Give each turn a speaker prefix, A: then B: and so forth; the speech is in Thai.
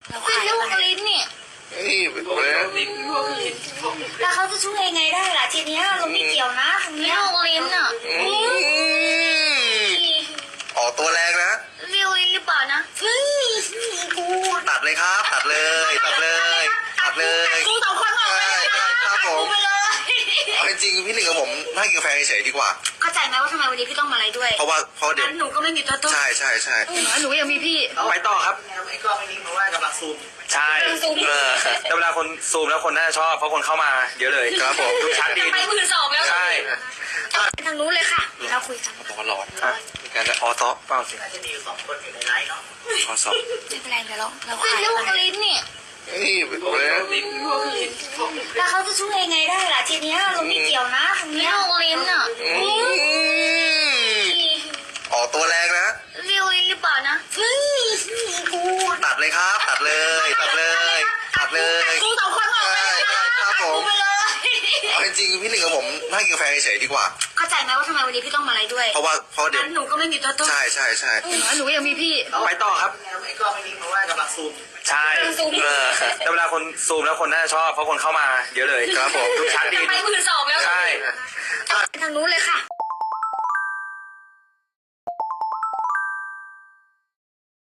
A: เป็นลูกลิ้นเนี่ย
B: นี่เป็นตัวนะ
A: แล้วเขาจะช่วยยังไงได้ล่ะทีเนี้ยเราไม่เกี่ยวนะตรงเนี้ยลูกลิ้นอ่ะ
B: ออกตัวแรงนะ
A: เรียวลิ้นหรือเปล่านะกู
B: ตัดเลยครับ ตัดเลย ตัดเลย ตัดเลย
A: กูสองคนออกไปเลย
B: ครับผม
A: ไปเลย
B: เอาจริงๆพี่หนึ่งกับผมนั่งกินกาแฟเฉยๆดีกว่า
A: เข้าใจไหมว่าทำไมวันนี้พี่ต้องมาอะไรด้วย
B: เพราะเดี๋ยว
A: งั้นหนูก็ไม่มีตัวตน
B: ใช่ใช่ใช่
A: หนูยังมีพี่
C: ไปต่อครับ
D: ไอ้กล้องไม่นิ่งเพราะว่ากำลังซูม
C: ใช่
A: ซูม
C: แต่เวลาคนซูมแล้วคนน่าจะชอบเพราะคนเข้ามาเยอะเลย
B: ครับผม
C: ดูชัดดี
A: ไป12,000แล้ว
C: ใช่
A: ทางนู้นเลยค่ะเดี๋ยวเราคุยกัน
B: บอกว่าร้อน
C: อ่ะ
B: มีการออโต้เปล่าสิ
D: น่าจะมีอยู่2 คนอยู่ในไลฟ์เนาะ
B: ออสอบ
A: ไม่เป็นไรเดี๋ยวเราขายลูกลิ้นเนี่ย
B: นี่เป็นตัวนะ
A: แล้วเขาจะช่วยยังไงได้ล่ะทีเนี้ยเราไม่เกี่ยวนะตรงเนี้ยลูกลิ้นอ่ะ
B: ออกตัวแรงนะ
A: เรียวลิ้นหรือเปล่านะกู
B: ตัดเลยครับ ตัดเลย ตัดเลย ตัดเลย
A: กูสองคนออกไปเลย
B: ครับผม
A: ไปเลย
B: เอาจริงๆพี่หนึ่งกับผมนั่งกินกาแฟเฉยๆดีกว่า
A: เข้าใจไหมว่าทำไมวันนี้พี่ต้องมาอะไรด้วย
B: เพราะเดี๋ยว
A: งั้นหนูก็ไม่มีตัวตน
B: ใช่ใช่ใช่
A: หนูยังมีพี่
C: ไปต่อครับ
D: ไอ้กล้องไม่นิ่งเพราะว่ากำลังซูม
C: ใช่แต่เวลาคนซูมแล้วคนน่าจะชอบเพราะคนเข้ามาเยอะเลย
B: ครับผม
C: ดูชัดดี
A: ไป12,000